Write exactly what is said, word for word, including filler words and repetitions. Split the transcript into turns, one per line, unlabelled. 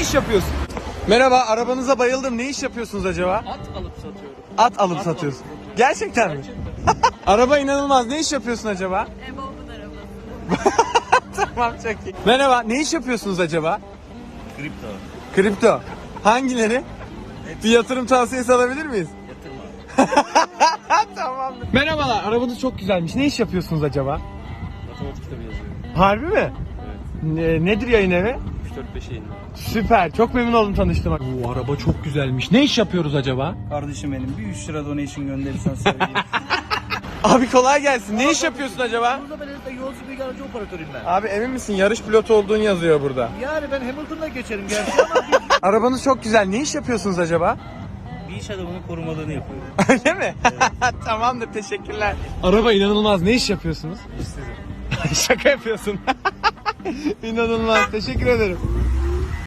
iş yapıyorsun? Merhaba, arabanıza bayıldım. Ne iş yapıyorsunuz acaba?
At alıp satıyorum.
At alıp satıyorsun. Gerçekten mi? Araba inanılmaz. Ne iş yapıyorsun acaba?
E, babamın arabası.
Tamam, çok iyi. Merhaba, ne iş yapıyorsunuz acaba?
Kripto.
Kripto. Hangileri? Bir yatırım tavsiyesi alabilir miyiz?
Yatırma.
Tamamdır. Merhabalar, arabanız çok güzelmiş. Ne iş yapıyorsunuz acaba?
Matematik kitabı yazıyorum.
Harbi mi?
Evet.
Ne, nedir yayın evi?
üç dört beş yayınlar.
Süper, çok memnun oldum tanıştığıma. Bu araba çok güzelmiş. Ne iş yapıyoruz acaba?
Kardeşim benim bir üç lira donation gönderirsen sevgilim.
Abi kolay gelsin. Ne iş yapıyorsun acaba?
Burada ben de yolcu bilgi aracı operatörüyüm ben.
Abi emin misin? Yarış pilotu olduğun yazıyor burada.
Yani ben Hamilton'da geçerim gerçi ama bir,
Arabanız çok güzel. Ne iş yapıyorsunuz acaba?
Bir iş adamının korumalığını yapıyorum.
Öyle mi? Tamamdır, teşekkürler. Araba inanılmaz. Ne iş yapıyorsunuz? İşsizim. Şaka yapıyorsun. İnanılmaz. Teşekkür ederim.